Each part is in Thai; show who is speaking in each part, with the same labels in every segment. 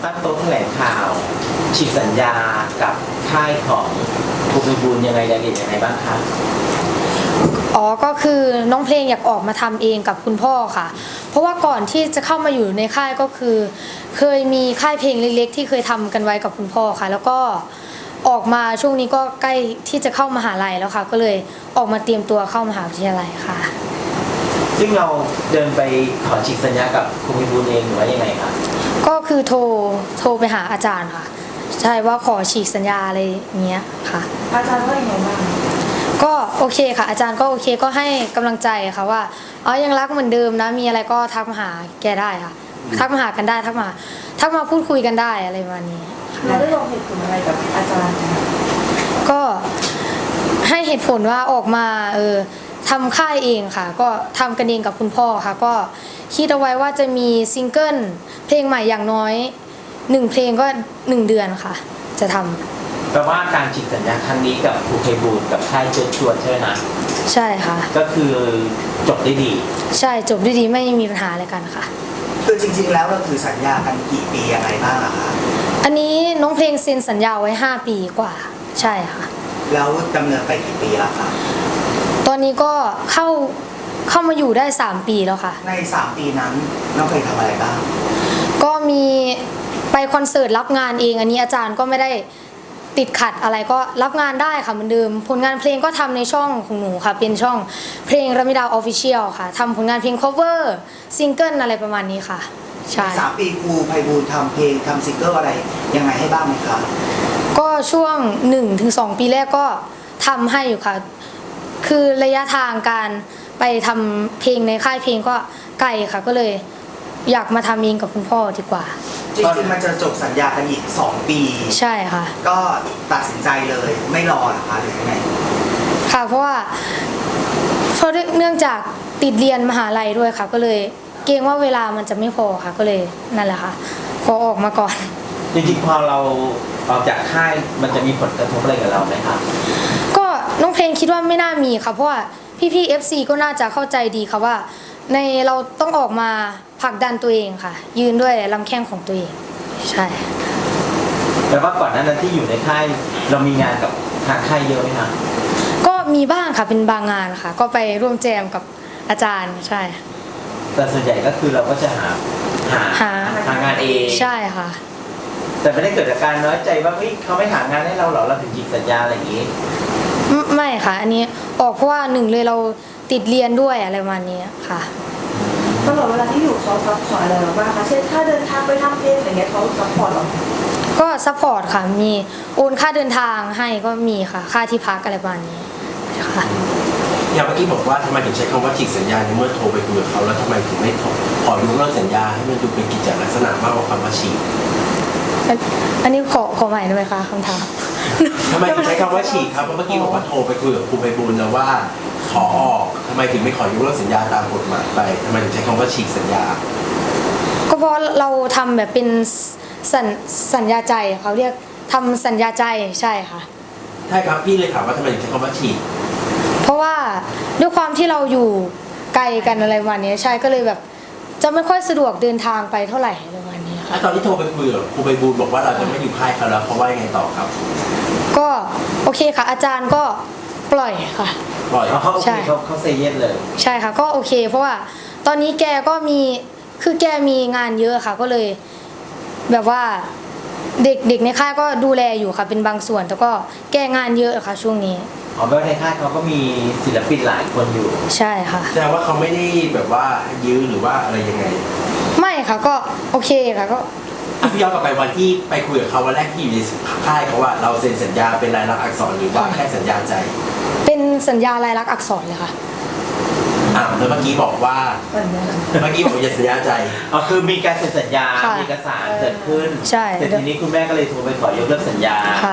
Speaker 1: ตั้งโต๊ะแถลงข่าวฉีกสัญญากับค่ายของภูมิบูลยังไงรายละเอียดยังไงบ้างคะ
Speaker 2: อ๋อก็คือน้องเพลงอยากออกมาทำเองกับคุณพ่อค่ะเพราะว่าก่อนที่จะเข้ามาอยู่ในค่ายก็คือเคยมีค่ายเพลงเล็กๆที่เคยทำกันไว้กับคุณพ่อค่ะแล้วก็ออกมาช่วงนี้ก็ใกล้ที่จะเข้ามหาลัยแล้วค่ะก็เลยออกมาเตรียมตัวเข้ามหาวิทยาลัยค่ะ
Speaker 1: ซึ่งเราเดินไปขอฉีกสัญญากับภูมิบูลเองหรือว่ายังไงคะ
Speaker 2: ก็คือโทรไปหาอาจารย์ค่ะใช่ว่าขอฉีกสัญญาอะไรเงี้ยค่ะ
Speaker 3: อาจารย์ว่าอย่างไรบ้าง
Speaker 2: ก็โอเคค่ะอาจารย์ก็โอเคก็ให้กำลังใจค่ะว่าอ๋อยังรักเหมือนเดิมนะมีอะไรก็ทักมาหาแกได้ค่ะทักมาหากันได้ทักมาพูดคุยกันได้อะไรประมาณนี้
Speaker 3: เราได้ลงเหตุผลอะไรกับอาจารย์
Speaker 2: ก็ให้เหตุผลว่าออกมาทำค่ายเองค่ะก็ทำกันเองกับคุณพ่อค่ะก็คิดเอาไว้ว่าจะมีซิงเกิลเพลงใหม่อย่างน้อย1เพลงก็1เดือนค่ะจะทำ
Speaker 1: แปลว่าการฉีกสัญญาครั้งนี้กับภูมิบูลกับค่ายเชิญชวนใช่ไหมคะ
Speaker 2: ใช่ค่ะ
Speaker 1: ก็คือจบได้ดี
Speaker 2: ใช่จบได้ดีไม่มีปัญหาอะไรกันค่ะ
Speaker 4: คือจริงๆแล้วเราถือสัญญากันกี่ปียังไงบ้างอะคะ
Speaker 2: อันนี้น้องเพลงเซ็นสัญญาไว้5ปีกว่าใช่ค่ะ
Speaker 4: แล้วดำเนินไปกี่ปีแล้วคะ
Speaker 2: ตอนนี้ก็เข้ามาอยู่ได้3ปีแล้วค่ะ
Speaker 4: ใน3ปีนั้นน้องเคยทำอะไรบ้าง
Speaker 2: ก็มีไปคอนเสิร์ตรับงานเองอันนี้อาจารย์ก็ไม่ได้ติดขัดอะไรก็รับงานได้ค่ะเหมือนเดิมผลงานเพลงก็ทำในช่องของหนูค่ะเป็นช่องเพลงรมิดาออฟฟิเชียลค่ะทำผลงานเพลง cover ซิงเกิลอะไรประมาณนี้ค่ะใช่
Speaker 4: 3 ปีครูไพบูลย์ทำเพลงทำซิงเกิลอะไรยังไงให้บ้างไหมคะ
Speaker 2: ก็ช่วง 1-2 ปีแรกก็ทำให้อยู่ค่ะคือระยะทางการไปทำเพลงในค่ายเพลงก็ไกลค่ะก็เลยอยากมาทำเองกับคุณพ่อดีกว่า
Speaker 4: จริงๆมันจะจบสัญญากันอีก2 ปี
Speaker 2: ใช่ค่ะ
Speaker 4: ก็ตัดสินใจเลยไม่รอหรอคะหรือยังไง
Speaker 2: ค่ะเพราะเนื่องจากติดเรียนมหาลัยด้วยค่ะก็เลยเกรงว่าเวลามันจะไม่พอค่ะก็เลยนั่นแหละค่ะขอออกมาก่อน
Speaker 1: จริงๆพอเราออกจากค่ายมันจะมีผลกระทบอะไรกับเราไหมครับ
Speaker 2: ก็น้องเพลงคิดว่าไม่น่ามีค่ะเพราะว่าพี่ๆ FC ก็น่าจะเข้าใจดีค่ะว่าในเราต้องออกมาผลักดันตัวเองค่ะยืนด้วยลำแข้งของตัวเองใช่
Speaker 1: แปลว่าก่อนหน้านั้นที่อยู่ในค่ายเรามีงานกับทางค่ายเยอะไหมคะ
Speaker 2: ก็มีบ้างค่ะเป็นบางงานค่ะก็ไปร่วมแจมกับอาจารย์ใช่
Speaker 1: แต่ส่วนใหญ่ก็คือเราก็จะหางานเอง
Speaker 2: ใช่ค่ะ
Speaker 1: แต่ไม่ได้เกิดจากการน้อยใจว่าเขาไม่หางานให้เราหรอเราถึงยิงสัญญาอะไรอย่างนี้
Speaker 2: ไม่ค่ะอันนี้ออกเพราะว่า1เลยเราติดเรียนด้วยอะไรประมาณนี้ค่ะ
Speaker 3: ตลอดเวลาที่อยู่เขาซัพพอร์ตอะไรบ้างคะเช่นถ้าเดินทางไปทำเพลงอะไรเงี้ยเขาซัพพอร์ตหรอ
Speaker 2: ก็ซัพพอร์ตค่ะมีโอนค่าเดินทางให้ก็มีค่ะค่าที่พักอะไรประมาณนี้ค่ะ
Speaker 5: อย่างเมื่อกี้บอกว่าทำไมถึงใช้คำว่าฉีกสัญญาในเมื่อโทรไปคุยกับเขาแล้วทำไมถึงไม่ขอยกเลิกสัญญาให้มันดูเป็นกิจลักษณะมากกว่าคำว่าฉีก
Speaker 2: อันนี้ขอใหม่ได้ไหมคะคำถาม
Speaker 5: ทำไมถึงใช้คำว่าฉีกครับเพราะเมื่อกี้บอกว่าโทรไปคุยกับครูไพบูลย์แล้วว่าขอออกทำไมถึงไม่ขอยกเลิกสัญญาตามกฎหมายไปทำไมถึงใช้คำว่าฉีกสัญญา
Speaker 2: ก็เพราะเราทำแบบเป็นสัญญาใจเขาเรียกทำสัญญาใจใช่ค่ะ
Speaker 5: ใช่ครับพี่เลยถามว่าทำไมถึงใช้คำว่าฉีก
Speaker 2: เพราะว่าด้วยความที่เราอยู่ไกลกันอะไรวันนี้ใช่ก็เลยแบบจะไม่ค่อยสะดวกเดินทางไปเท่าไหร่อะไรวันนี้ค่ะ
Speaker 5: ตอนที่โทรไปคุยกับครูไพบูลย์บอกว่าเราจะไม่อยู่ค่ายเขาแล้วเขาว่ายังไงต่อครับ
Speaker 2: ก็โอเคค่ะอาจารย์ก็ปล่อยค่ะ
Speaker 5: ปล่อย
Speaker 1: เขาเซเยสเลย
Speaker 2: ใช่ค่ะก็โอเคเพราะว่าตอนนี้แกก็แกมีงานเยอะค่ะก็เลยแบบว่าเด็กในค่ายก็ดูแลอยู่ค่ะเป็นบางส่วนแต่ก็แกงานเยอะค่ะช่วงนี้
Speaker 1: แปลว่าในค่ายเขาก็มีศิลปินหลายคนอยู่
Speaker 2: ใช่ค่ะ
Speaker 5: แต่ว่าเขาไม่ได้แบบว่ายื้อหรือว่าอะไรยังไง
Speaker 2: ไม่ค่ะก็โอเคค่ะก็
Speaker 5: พี่ย้อนกลับไปวันที่ไปคุยกับเขาวันแรกที่อยู่ในค่ายเขาว่าเราเซ็นสัญญาเป็นลายลักษณ์อักษรหรือว่าแค่สัญญาใจ
Speaker 2: เป็นสัญญาลายลักษณ์อักษรเลยค่ะ
Speaker 5: แล้วเมื่อกี้บอกว่าอย่าสัญญาใจ
Speaker 1: คือมีการเซ็นสัญญามีเอกสารเกิดขึ้น
Speaker 2: ใช่
Speaker 1: แต่ทีนี้คุณแม่ก็เลยโทรไปขอยกเลิกสัญญาที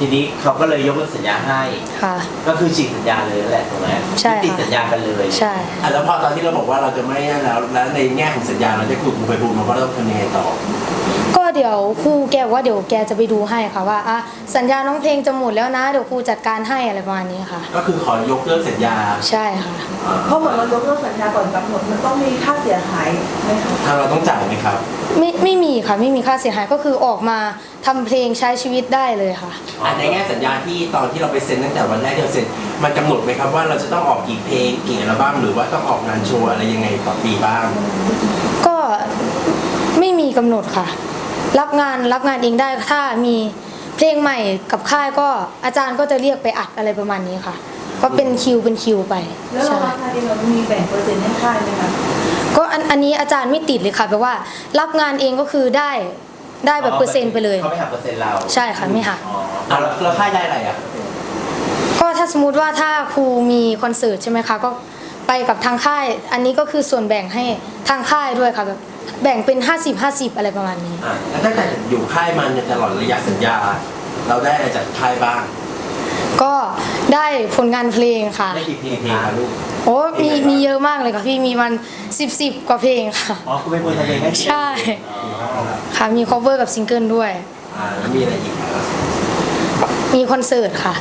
Speaker 1: ทีนี้เขาก็เลยยกเลิกสัญญาให้
Speaker 2: ค่ะ
Speaker 1: ก็คือฉีกสัญญาเลยนั่นแหละถูกไหม
Speaker 2: ใช่ค่ะ
Speaker 1: ยุติสัญญากันเลย
Speaker 2: ใช่
Speaker 5: แล้วพอตอนที่เราบอกว่าเราจะไม่นั่นแล้วในแง่ของสัญญาเราจะคุยกับครูไพบูลย์มาว่าเราต้องทำยังไงต่อ
Speaker 2: ก็เดี๋ยวครูแกบอกว่าเดี๋ยวแกจะไปดูให้ค่ะว่าสัญญาน้องเพลงจะหมดแล้วนะเดี๋ยวครูจัดการให้อะไรประมาณนี้ค่ะ
Speaker 5: ก็คือขอยกเลิกสัญญา
Speaker 2: ใช่ค่ะ
Speaker 3: เพราะเหมือนเรายกเลิกสัญญาก่อนกำหนดมันต้องมีค่าเสียหายไหมคะ
Speaker 5: ทางเราต้องจ่ายไหมครับ
Speaker 2: ไม่มีค่ะไม่มีค่าเสียหายก็คือออกมาทำเพลงใช้ชีวิตได้เลยค่ะ
Speaker 5: ในแง่สัญญาที่ตอนที่เราไปเซ็นตั้งแต่วันแรกที่เราเซ็นมันกำหนดไหมครับว่าเราจะต้องออกกี่เพลงกี่อัลบั้มหรือว่าต้องออกงานโชว์อะไรยังไงต่อปีบ้าง
Speaker 2: ก็ไม่มีกำหนดค่ะ รับงานเองได้ถ้ามีเพลงใหม่กับค่ายก็อาจารย์ก็จะเรียกไปอัดอะไรประมาณนี้ค่ะ ก็เป็นคิวไป
Speaker 3: แล้วเรา
Speaker 2: ใช่
Speaker 3: รับงานเองเรามีแบ่งเปอร์เซ็นต์ให้ค่ายไหมคะ
Speaker 2: ก็อันนี้อาจารย์ไม่ติดเลยค่ะแปลว่ารับงานเองก็คือได้แบบเปอร์เซ็นต์ไปเลย
Speaker 1: เขาไม่หักเปอร์เซ็นต์เรา
Speaker 2: ใช่ค่ะไม่หัก
Speaker 1: อ๋อ
Speaker 5: แล้วค่ายได้อะไรอ่ะ
Speaker 2: ก็ถ้าสมมติว่าถ้าครูมีคอนเสิร์ตใช่ไหมคะก็ไปกับทางค่าย อันนี้ก็คือส่วนแบ่งให้ทางค่ายด้วยค่ะแบบแบ่งเป็น50-50อะไรประมาณนี้
Speaker 5: แล้วตั้งแต่อยู่ค่ายมาในตลอดระยะสัญญา เราได้อะไรจากค่ายบ้าง
Speaker 2: ก็ได้ผลงานเพลงค่ะ
Speaker 1: ได้กี่เพลง
Speaker 5: เพลง
Speaker 1: คะ
Speaker 5: ครับลูก
Speaker 2: โอ้มีเยอะมากเลยค่ะพี่มีมัน10กว่าเพลงค่ะ
Speaker 1: อ๋อคุณเป็นคนทำเพลงให้
Speaker 2: ใช่ ค่ะมี cover กับซิงเกิลด้วย
Speaker 5: แล้วมีอะไรอีกครับ
Speaker 2: มีคอนเสิร์ตค่ะ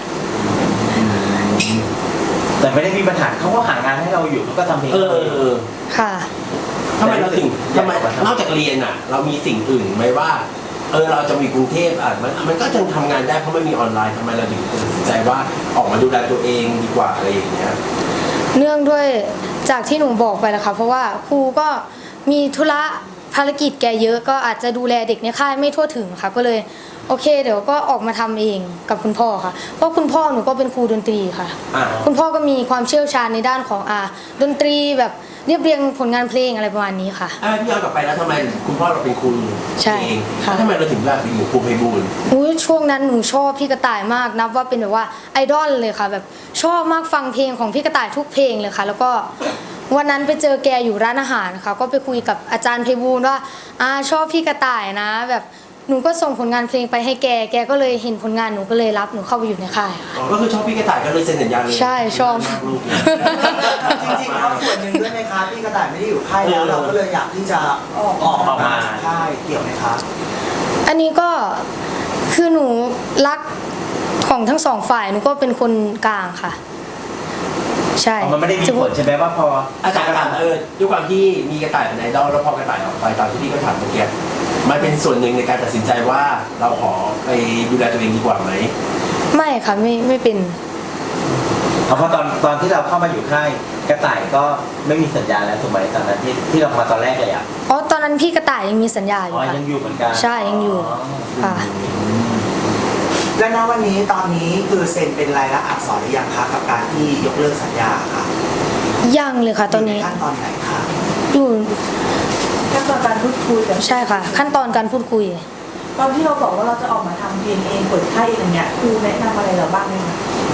Speaker 1: แต่ไม่ได้มีปัญหาเขาก็หางานให้เราอยู่เขาก็ทำเพลง
Speaker 2: ค่ะ
Speaker 5: ทำไมเราถึงทำไมนอกจากเรียนอ่ะ เรามีสิ่งอื่นไหมว่าเราจะมีกรุงเทพมันก็ยังทำงานได้เพราะมันมีออนไลน์ทำไมเราถึงตัดสินใจว่าออกมาดูแลตัวเองดีกว่าอะไรอย่างเงี้ย
Speaker 2: เนื่องด้วยจากที่หนูบอกไปแล้วค่ะเพราะว่าครูก็มีธุระภารกิจแกเยอะก็อาจจะดูแลเด็กในค่ายไม่ทั่วถึงค่ะ ก็เลยโอเคเดี๋ยวก็ออกมาทำเองกับคุณพ่อค่ะเพราะคุณพ่อหนูก็เป็นครูดนตรีค่ะ คุณพ่อก็มีความเชี่ยวชาญในด้านของดนตรีแบบเรียบเรียงผลงานเพลงอะไรประมาณนี้ค่ะ
Speaker 5: พี่ย้อนกลับไปแล้วทำไมคุณพ่อเราเป็นครู
Speaker 2: ใช่
Speaker 5: เอง
Speaker 2: ค่ะ
Speaker 5: ทำไมเราถึงแบบไปอยู่ครูไพบูลย์
Speaker 2: ช่วงนั้นหนูชอบพี่กระต่ายมากนับว่าเป็นแบบว่าไอดอลเลยค่ะ แบบชอบมากฟังเพลงของพี่กระต่ายทุกเพลงเลยค่ะ แล้วก็วันนั้นไปเจอแกอยู่ร้านอาหารค่ะก็ไปคุยกับอาจารย์ไพบูลย์ว่าชอบพี่กระต่ายนะ แบบหนูก็ส่งผลงานเพลงไปให้แกก็เลยเห็นผลงานหนูก็เลยรับหนูเข้าไปอยู่ในค่ายค่ะ
Speaker 5: ก็คือชอบพี่กระต่ายก็เลยเซ็นสัญญาเลย
Speaker 2: ใช่ชอบ
Speaker 5: ลูกเนี่ย
Speaker 4: จริงๆครับส่วนหนึ่งด้วยไหมคะพี่กระต่ายไม่ได้อยู่ค่ายแล้วเราก็เลยอยากที่จะออกมาจากค่ายเกี่ยวไหมคะ
Speaker 2: อันนี้ก็คือหนูรักของทั้งสองฝ่ายหนูก็เป็นคนกลางค่ะ ใช่
Speaker 1: มันไม่ได้มีผลใช่ไหมว่าพอ
Speaker 5: อาจารย์ถามด้วยความที่มีกระต่ายเป็นไอดอลแล้วพอกระต่ายออกไปตามที่พี่ก็ถามเมื่อกี้มันเป็นส่วนหนึ่งในการตัดสินใจว่าเราขอไปดูแลตัวเองดีกว่าไหม
Speaker 2: ไม่ค่ะไม่เป็น
Speaker 1: เพราะตอนที่เราเข้ามาอยู่ค่ายกระต่ายก็ไม่มีสัญญาแล้วถูกไหมตอนนั้นที่เรามาตอนแรกเลยอ่ะ
Speaker 2: อ๋อตอนนั้นพี่กระต่ายยังมีสัญญาอยู่
Speaker 1: อ๋อ
Speaker 2: ค่ะ
Speaker 1: ยังอยู่เหมือนกัน
Speaker 2: ใช่ยังอยู่ค่ะ
Speaker 4: และณวันนี้ตอนนี้คือเซ็นเป็นลายลักษณ์อักษรหรือยังคะกับการที่ยกเลิกสัญญาค่ะ
Speaker 2: ยังเลยค่ะตอนนี้
Speaker 4: ยู่ใขั้นตอนไหนคะ
Speaker 2: อยู่
Speaker 3: ขั้นตอนการพูดคุยกัน
Speaker 2: ใช่ค่ะ ขั้นตอนการพูดคุย
Speaker 3: ตอนที่เราบอกว่าเราจะออกมาทำเพลงเองเปิดค่ายเองอย่างเงี้ยครูแนะนำอะไรเราบ้างไหมคะ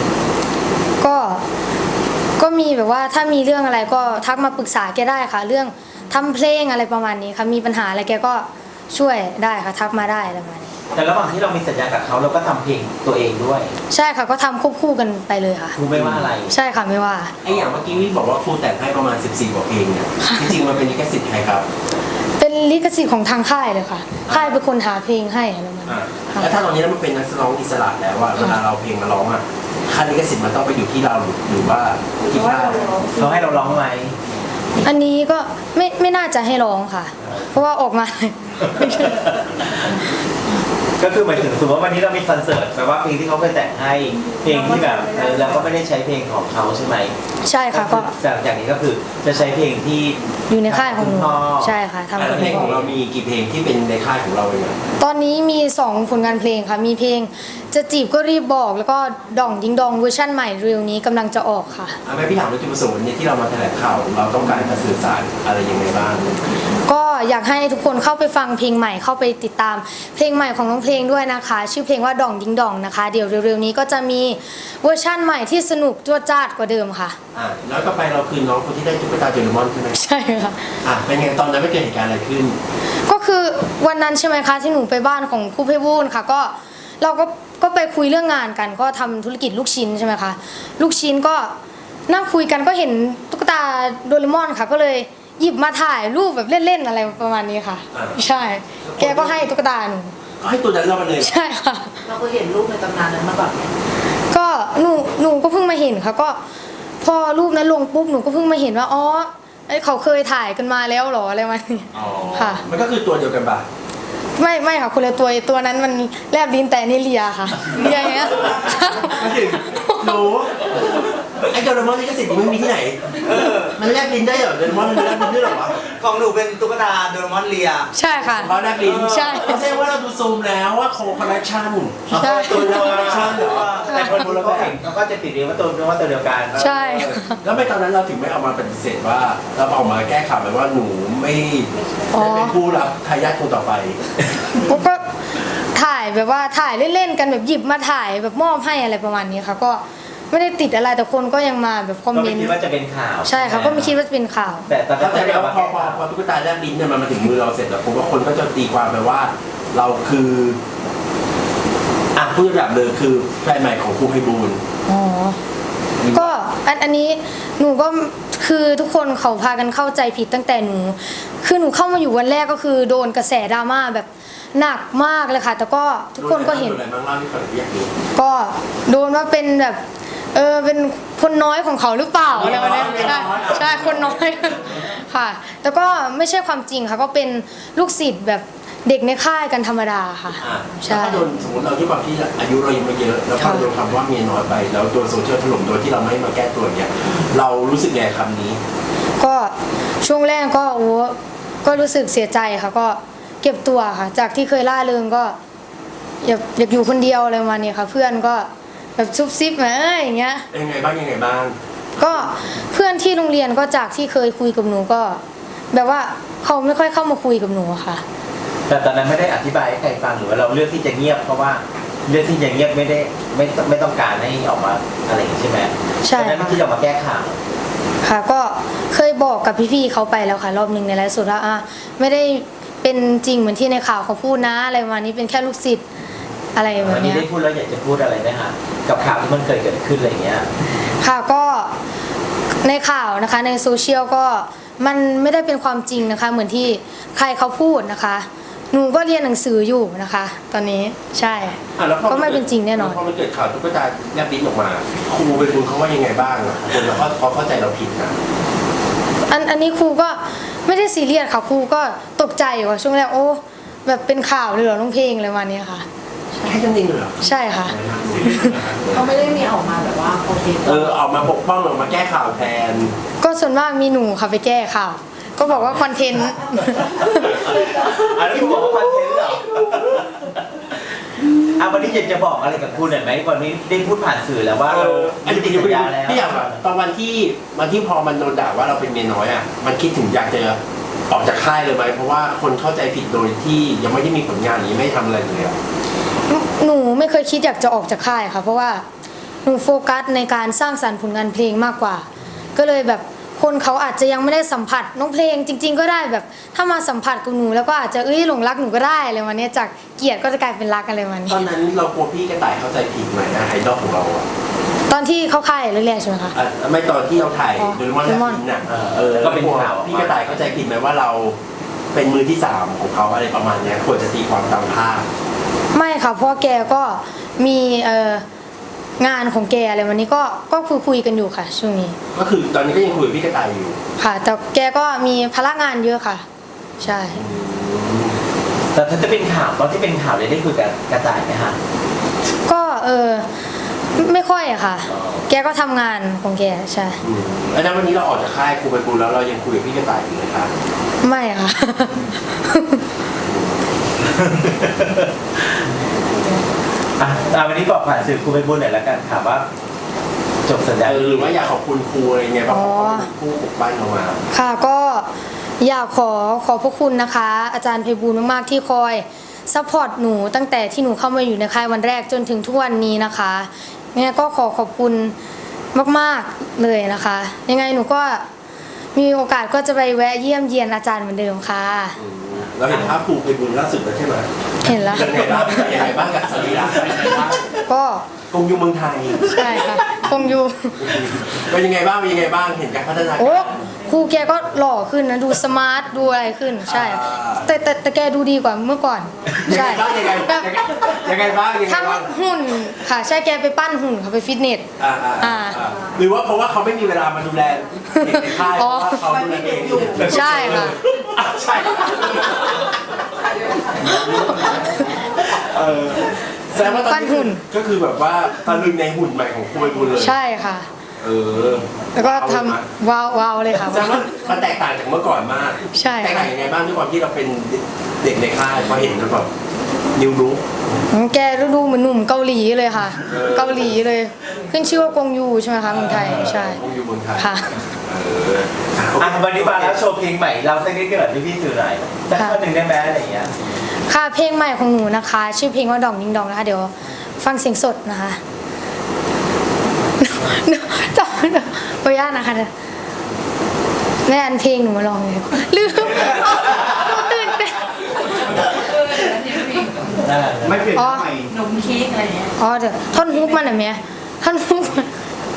Speaker 2: ก็มีแบบว่าถ้ามีเรื่องอะไรก็ทักมาปรึกษาแกได้ค่ะ เรื่องทำเพลงอะไรประมาณนี้ค่ะมีปัญหาอะไรแกก็ช่วยได้ค่ะทักมาได้อะไรประมาณนี้
Speaker 1: แต่ระหว่างที่เรามีสัญญากับเขาเราก็ทำเพลงตัวเองด้วย
Speaker 2: ใช่ค่ะก็ทำควบคู่กันไปเลยค่ะ
Speaker 1: ครูไม่ว่าอะไร
Speaker 2: ใช่ค่ะไม่ว่า
Speaker 5: ไออย่างเมื่อกี้พี่บอกว่าครูแต่งให้ประมาณ14กว่าเพลงเนี่ยจริงๆมันเป็นลิขสิทธิ์ใครครับ
Speaker 2: เป็นลิขสิทธิ์ของทางค่ายเลยค่ะ ค่ายเป็นคนหาเพลงให้อะไรประมาณนี้ค่ะ
Speaker 5: แล้วถ้าตอนนี้มันเป็นนักร้องอิสระแล้วอะเวลาเราเพลงมาร้องอะค่าลิขสิทธิ์มันต้องไปอยู่ที่เราหรือว่า
Speaker 3: หรื
Speaker 5: ที่
Speaker 3: อว่า
Speaker 5: ค่าย
Speaker 1: เขาให้เราร้องไหม
Speaker 2: อันนี้ก็ไม่น่าจะให้ร้องค่ะ เพราะว่าออกมา
Speaker 1: ก็คือหมายถึงสมมติว่าวันนี้เรามีคอนเสิร์ตแปลว่าเพลงที่เขาเคยแต่งให้เพลงที่แบบเราก็ไม่ได้ใช้เพลงของเขาใช่ไหม
Speaker 2: ใช่ค่ะก็
Speaker 1: จากนี้ก็คือจะใช้เพลงที่
Speaker 2: อยู่ในค่ายของหนู
Speaker 1: ณพ่อ
Speaker 2: ใช่ค่ะทำ
Speaker 5: แล้
Speaker 2: กับ
Speaker 5: วเพลง
Speaker 2: พ่
Speaker 5: ของเรา
Speaker 2: อ
Speaker 5: มีกี่เพลงที่เป็นในค่ายของเราเอง
Speaker 2: ตอนนี้มี2ผลงานเพลงค่ะมีเพลงจะจีบก็รีบบอกแล้วก็ด่องยิงดองเวอร์ชั่นใหม่เร็วนี้กำลังจะออกค่ะ
Speaker 5: แม่พี่ถามว่าจุดประสงค์วันนี้ที่เรามาแถลงข่าวเราต้องการจะสื่อสารอะไรยังไงบ้าง
Speaker 2: ก็อยากให้ทุกคนเข้าไปฟังเพลงใหม่เข้าไปติดตามเพลงใหม่ของน้องเพลงด้วยนะคะ ชื่อเพลงว่าด่องยิงดองนะคะ เดี๋ยวเร็วๆนี้ก็จะมีเวอร์ชั่นใหม่ที่สนุกจ้วจ้าดกว่าเดิมค่ะ
Speaker 5: แล้วก็ไปเราคืนน้องคนที่ได้ตุ๊กตาเจอร์มอนใช่ไหม
Speaker 2: ใช่ค่ะ
Speaker 5: เป็นไงตอนนั้นไม่เกิดเหตุการณ์อะไรขึ้น
Speaker 2: ก็คือวันนั้นใช่ไหมคะที่หนูไปบ้านของครูเพบูลย์ค่ะก็เราก็ก็ไปคุยเรื่องงานกันก็ทำธุรกิจลูกชิ้นใช่ไหมคะลูกชิ้นก็นั่งคุยกันก็เห็นตุ๊กตาโดเรมอนค่ะ ก็เลยหยิบมาถ่ายรูปแบบเล่นๆอะไรประมาณนี้ค่ะ ใช่ แกก็ให้ตุ๊กตาหนู
Speaker 5: ก็ให้ตัวนั้นเรามาเลย
Speaker 2: ใช่ค่ะ
Speaker 3: เราก็เห็นรูปในตำนานนั้นมาก่อนไหม
Speaker 2: ก็หนูก็เพิ่งมาเห็นค่ะก็พอรูปนั้นลงปุ๊บหนูก็เพิ่งมาเห็นว่าอ๋อเขาเคยถ่ายกันมาแล้วเหรออะไรมาณนี้
Speaker 5: อ๋อ
Speaker 2: ค่ะ
Speaker 5: มันก็คือตัวเดียวกันป่ะ
Speaker 2: ไม่ค่ะคนละตัวนั้นมันแลบลิ้นแต่นี่เลียค่ะเลียอย่างเงี้ย
Speaker 5: มาถึงหนูไอ้โดเรมอนนี่ก็สิ่งที่ไม่มีที่ไหนมันแลบลิ้นได้เหรอโดเรมอนมันแลบลิ้นได้เหรอวะ
Speaker 4: ของหนูเป็นตุ๊กตาโดเรมอนเลีย
Speaker 2: ใช่ค่ะ
Speaker 5: เขาแลบลิ้น
Speaker 2: ใช่
Speaker 5: ไม่ใช่ว่าเราดูซูมแล้วว่าโคคอนเนคชั่น
Speaker 2: ใช่
Speaker 5: ตัวเดียวคอนเนคชั่นเหรอ
Speaker 1: แต่คนดูแล้วก็เห็นเขาก็จะติดเรียกว่าตัวเดียวกัน
Speaker 2: ใช่
Speaker 5: แล้วไม่ตอนนั้นเราถึงไม่เอามาปฏิเสธว่าเราเอามาแก้ข่าวไปว่าหนูไม่ได้เป็นผู้รับทายาทคนต่อไป
Speaker 2: ปุ๊บก็ถ่ายแบบว่าถ่ายเล่นๆกันแบบหยิบมาถ่ายแบบมอบให้อะไรประมาณนี้ค่ะ ก็ไม่ได้ติดอะไรแต่คนก็ยังมาแบบคอม
Speaker 1: ก็
Speaker 2: เม
Speaker 1: ไม่
Speaker 2: นต์
Speaker 1: คิดว่าจะเป็นข่าว
Speaker 2: ใช่ค่ะก็ไม่คิดว่าจะเป็นข่าว
Speaker 1: แต่ตอน
Speaker 5: เข้าใจ
Speaker 1: นั้น
Speaker 5: แล้วพอตุ๊กตาแลบลิ้นเนี่ยมันมาถึงมือเราเสร็จแล้วผมว่าคนก็จะตีความไปว่าเราคือผู้ระดับเลยคือแฟนใหม่ของครูไพบูลย์
Speaker 2: อ๋อ ก็อันนี้หนูก็คือทุกคนเขาพากันเข้าใจผิดตั้งแต่หนู คือหนูเข้ามาอยู่วันแรกก็คือโดนกระแสดราม่าแบบหนักมากเลยค่ะ แต่ก็ทุกคนก็เห็น
Speaker 5: โดอะไรบ้างเล่าให้ฟังอยากรู้
Speaker 2: ก็โดนว่าเป็นแบบเป็นคนน้อยของเขาหรือเปล่าอะไรแบบนี้ใช่คนน้อย ค่ะ แต่ก็ไม่ใช่ความจริงค่ะ ก็เป็นลูกศิษย์แบบเด็กในค่ายกันธรรมดาค่ะ ใช่
Speaker 5: แล้วก็โดนสมมติเราที่ความที่อายุเรายังไม่เยอะแล้วพอโดนคำว่าเมียน้อยไปแล้วโดนโซเชียลถล่มโดยที่เราไม่มาแก้ตัวเนี่ยเรารู้สึกไงคำนี้
Speaker 2: ก็ช่วงแรกก็ก็รู้สึกเสียใจค่ะ ก็เก็บตัวค่ะ จากที่เคยล่าเริงก็อยากอยู่คนเดียวอะไรประมาณนี้ค่ะ เพื่อนก็แบบซุบซิบมาอย่างเงี้ย
Speaker 5: ยังไงบ้าง
Speaker 2: ก็เพื่อนที่โรงเรียนก็จากที่เคยคุยกับหนูก็ แบบว่าเขาไม่ค่อยเข้ามาคุยกับหนูอะค่ะ
Speaker 1: แต่ตอนนั้นไม่ได้อธิบายให้ใครฟังหรือว่าเราเลือกที่จะเงียบเพราะว่าเลือกที่จะเงียบไม่ต้องการให้ออกมาอะไรอย่างนี้ใช่ไหม
Speaker 2: ใช่
Speaker 1: ตอนนั้นที่จะออกมาแก้ข่าว
Speaker 2: ค่ะก็เคยบอกกับพี่ๆเขาไปแล้วค่ะ รอบหนึ่งในไลฟ์สดว่าไม่ได้เป็นจริงเหมือนที่ในข่าวเขาพูดนะอะไรประมาณนี้เป็นแค่ลูกศิษย์อะไรแบ
Speaker 1: วั
Speaker 2: บ
Speaker 1: นนี้
Speaker 2: เนี้ย
Speaker 1: ได้พูดแล้วอยากจะพูดอะไรไหมฮะกับข่าวที่มันเคยเกิดขึ้นอะไรอย่างเงี้ย
Speaker 2: ค่ะก็ในข่าวนะคะในโซเชียลก็มันไม่ได้เป็นความจริงนะคะ เหมือนที่ใครเขาพูดนะคะ หนูก็เรียนหนังสืออยู่นะคะ ตอนนี้ใช่
Speaker 5: แล้วพอ
Speaker 2: ก็ไม่เป็นจริงแน่นอน
Speaker 5: พอมันเกิดข่าวตุ๊กตาแลบลิ้นออกมาครูไพบูลย์เขาว่ายังไงบ้างคนเราเขาเข้าใจเราผิดนะ
Speaker 2: อันนี้ครูก็ไม่ได้ซีเรียสค่ะครูก็ตกใจว่าช่วงแรกโอ้แบบเป็นข่าวเลยเหรอน้องเพลงอะไรประมาณนี้ค่ะ
Speaker 5: แค่นั้นเองเหรอ
Speaker 2: ใช่ค่ะ
Speaker 3: เขาไม่ได้มีออกมาแบบว่าโอเค
Speaker 5: ออกมาปกป้องออกมาแก้ข่าวแทน
Speaker 2: ก็ส่วนมากมีหนูค่ะไปแก้ข่าวก็บอกว่าคอนเทนต์
Speaker 1: อันนี้คุณบอกว่าคอนเทนต์เหรอวันนี้จะบอกอะไรกับคุณหน่อยไหมวันนี้ได้พูดผ่านสื่อแล้วว่าเรา
Speaker 5: อันนี้
Speaker 1: ติดสัญญาแล้ว
Speaker 5: พี่อยากแบบตอนวันที่พอมันโดนด่าว่าเราเป็นเมียน้อยอ่ะมันคิดถึงอยากจะออกจากค่ายเลยไหมเพราะว่าคนเข้าใจผิดโดยที่ยังไม่ได้มีผลงานนี้ไม่ทำอะไรเลยอะ
Speaker 2: หนูไม่เคยคิดอยากจะออกจากค่ายค่ะ เพราะว่าหนูโฟกัสในการสร้างสรรค์ผลงานเพลงมากกว่า ก็เลยแบบคนเขาอาจจะยังไม่ได้สัมผัสน้องเพลงจริง ๆ ก็ได้แบบถ้ามาสัมผัสกับหนูแล้วก็อาจจะหลงรักหนูก็ได้อะไรวันนี้จากเกลียดก็จะกลายเป็นรักอะไรวันนี้
Speaker 5: ตอนนั้นเรากลัวพี่กระต่ายเข้าใจผิดไหมนะไอดอลของเราอะ
Speaker 2: ตอนที่เข้าค่ายแรกๆใช่ไหมคะ
Speaker 5: ไม่ตอนที่เราถ่าย
Speaker 2: อ๋อ
Speaker 5: โดเรมอนแลบลิ้นน่ะ
Speaker 1: แล้วก็เป็นข่าว
Speaker 5: พี่กระต่ายเข้าใจผิดไหมว่าเราเป็นมือที่สามของเขาอะไรประมาณเนี้ยควรจะตีความตามภาพ
Speaker 2: ไม่ค่ะเพราะแกก็มีงานของแกอะไรวันนี้ก็คุยกันอยู่ค่ะช่วงนี้
Speaker 5: ก็คือตอนนี้ก็ยังคุยกับพี่กระต่ายอยู่
Speaker 2: ค่ะ แต่แกก็มีภาระงานเยอะค่ะ ใช่
Speaker 1: แต่ถ้าจะเป็นข่าวตอนที่เป็นข่าวเลยได้คุยกับกระต่ายไหมฮะ
Speaker 2: ก็ไม่ค่อยอะค่ะ แกก็ทำงานของแกใช่
Speaker 5: แล้ววันนี้เราออกจากค่ายครูไพบูลย์แล้วเรายังคุยกับพี่กระต่ายอยู่ไหมคะ
Speaker 2: ไม่ค่ะ
Speaker 1: วันนี้บอกผ่านสื่อครูไปบุญหน่อยแล้วกันถามว่าจบสัญญา
Speaker 5: หรือว่าอยากขอบคุณครูอะไรเงี้ยเพราะเขาเป็นผู้ปกป้องเรามา
Speaker 2: ค่ะก็อยากขอพระคุณนะคะ อาจารย์ไพบูลย์มากๆที่คอยซัพพอร์ตหนูตั้งแต่ที่หนูเข้ามาอยู่ในค่ายวันแรกจนถึงทุกวันนี้นะคะยังไงก็ขอบคุณมากๆเลยนะคะ ยังไงหนูก็มีโอกาสก็จะไปแวะเยี่ยมเยียนอาจารย์เหมือนเดิมค่ะ
Speaker 5: เราเห็นภาพภูไปบุญล่าสุดแล้วใช่ไหม
Speaker 2: เห็นแล้ว
Speaker 5: เป็นไงบ้างเป็นยังไงบ้างกับสรีระเป็นยังไงบ้าง
Speaker 2: ก็
Speaker 5: กงยูเมืองไทย
Speaker 2: ใช่ค่ะคงอยู่
Speaker 5: เป็นยังไงบ้างเป็นยังไงบ้างเห็นการพัฒนา
Speaker 2: โอ้
Speaker 5: การ
Speaker 2: ครูแกก็หล่อขึ้นนะดูสมาร์ทดูอะไรขึ้นใช่ แต่แกดูดีกว่าเมื่อก่อน
Speaker 5: ยัง
Speaker 2: ใช่
Speaker 5: ไงบ้างยังไง
Speaker 2: แบบ
Speaker 5: ยังไงบ้างยังไง
Speaker 2: ทั้ง
Speaker 5: บ้าง
Speaker 2: หุ่นค่ะใช่แกไปปั้นหุ่นเขาไปฟิตเนส
Speaker 5: หรือว่าเพราะว่าเขาไม่มีเวลามาดูแลเด็กในค่ายเพ
Speaker 2: อ๋อ
Speaker 5: ราะว่าเขาดูแลเองอยู่
Speaker 2: ใช่ค่ะ
Speaker 5: ใช่แสดงว่าตอน
Speaker 2: ปั้น
Speaker 5: นี้
Speaker 2: หุ่น
Speaker 5: ก็คือแบบว่าตะลึงในหุ่นใหม่ของครูไปบุญเลย
Speaker 2: ใช่ค่ะ แล้วก็ทำว้าวเลยค่ะ
Speaker 5: แสดงว่ามันแตกต่างจากเมื่อก่อนมาก
Speaker 2: ใช่
Speaker 5: แตกต่างยังไงบ้างด้วยความที่เราเป็นเด็กในค่ายพอเห็นแล้วแบบนิวรู้
Speaker 2: แกดูเหมือนหนุ่มเกาหลีเลยค่ะ เกาหลีเลย ขึ้นชื่อว่ากงยูใช่ไหมคะเมืองไทยใช่
Speaker 5: คงอยู่เมืองไทย
Speaker 2: ค่ะ
Speaker 1: วันนี้มาแล้วโชว์เพลงใหม่เราสักนิดเดียวพี่สื่อหน่อยสักคนหนึ่งได้ไหมอะไรอย่างเงี้ย
Speaker 2: ค่ะเพลงใหม่ของหนูนะคะ ชื่อเพลงว่าดองดิงดองนะคะเดี๋ยวฟังเสียงสดนะคะจำไม่ได้ขออนุญาตนะคะแม่อันเพลงหนูมาลองเลยลืมหนูตื่นเต้น
Speaker 4: ไม่เปลี่ยนใหม่
Speaker 3: นมเค้กอะไรเงี้ย
Speaker 2: อ๋อเดี๋ยวท่อนฮุกมันอะเมียท่อนฮุกมัน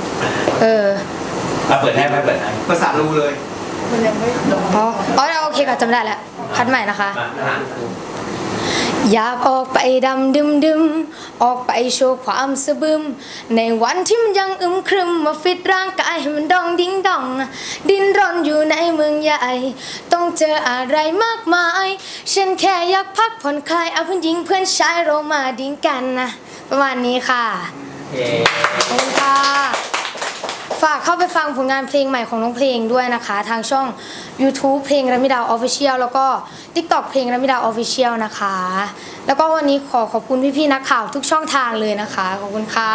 Speaker 1: เราเปิดให้ไหมเปิดให้
Speaker 4: ภาษารูเลย
Speaker 3: มันยังไม่ลง
Speaker 2: อ๋อโอเคค่ะจำได้แล้วคัดใหม่นะคะ
Speaker 1: มา
Speaker 2: อยากออกไปดำดึมออกไปโชว์ความสะบึมในวันที่มันยังอึมครึมมาฟิตร่างกายให้มันดองดิ้งดองดิ้นรนอยู่ในเมืองใหญ่ต้องเจออะไรมากมายฉันแค่อยากพักผ่อนคลายเอาเพื่อนหญิงเพื่อนชายเรามาดิ้งกันนะประมาณนี้ค่ะ
Speaker 1: โอเค
Speaker 2: ขอบคุณค่ะฝากเข้าไปฟังผลงานเพลงใหม่ของน้องเพลงด้วยนะคะทางช่อง YouTube เพลงระมิดา Official แล้วก็ TikTok เพลงระมิดา Official นะคะ แล้วก็วันนี้ขอบคุณพี่ๆนักข่าวทุกช่องทางเลยนะคะ ขอบคุณค่ะ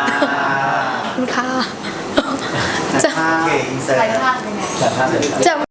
Speaker 2: ขอบคุณค่ะ
Speaker 4: เก่งเสร็จ
Speaker 3: ใส่ผ้าเป็นไง
Speaker 1: แต่ถ้าเสร็จ
Speaker 2: จะ